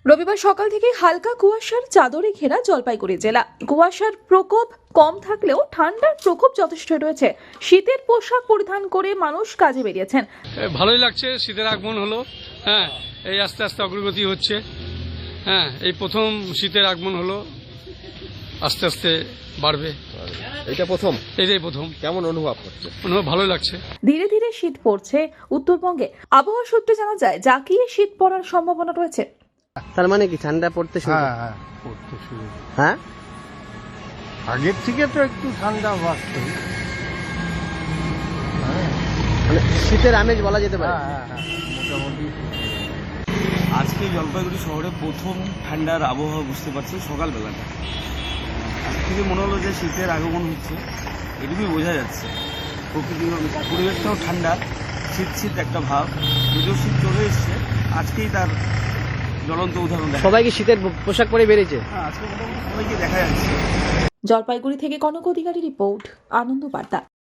রবিবার সকাল থেকে হালকা কুয়াশার চাদরে ঘেরা জলপাইগুড়ি জেলা। কুয়াশার প্রকোপ কম থাকলেও ঠান্ডার প্রকোপ যথেষ্ট রয়েছে। শীতের পোশাক পরিধান করে মানুষ কাজে বেরিয়েছেন। ভালোই লাগছে, শীতের আগমন হলো। হ্যাঁ, এই আস্তে আস্তে অগ্রগতি হচ্ছে। হ্যাঁ, এই প্রথম শীতের আগমন হলো, আস্তে আস্তে বাড়বে। এটা প্রথম, এটাই প্রথম। কেমন অনুভব করছে? অনুভব ভালোই লাগছে। ধীরে ধীরে শীত পড়ছে উত্তরবঙ্গে। আবহাওয়া সূত্রে জানা যায় জাঁকিয়ে শীত পড়ার সম্ভাবনা রয়েছে। তার মানে কি ঠান্ডা পড়তে শুরু? হ্যাঁ পড়তে শুরু। হ্যাঁ, আগের থেকে তো একটু ঠান্ডা বাড়ছে। মানে শীতের আমেজ বলা যেতে পারে। মোটামুটি আজকে জলপাইগুড়ি শহরে প্রথম ঠান্ডার আবহাওয়া বুঝতে পারছি সকালবেলাটা। আজ থেকে মনে হলো যে শীতের আগমন হচ্ছে, এটুকুই বোঝা যাচ্ছে। প্রকৃতি পরিবেশটাও ঠান্ডা, শীত শীত একটা ভাব। যদিও শীত চলে এসছে, আজকেই তার জ্বলন্ত উদাহরণ দেখা। সবাই কি শীতের পোশাক পরে বেরিয়েছে? হ্যাঁ, আজকে মোটামুটি সবাইকে দেখা যাচ্ছে। জলপাইগুড়ি থেকে কনক অধিকারী রিপোর্ট, আনন্দ বার্তা।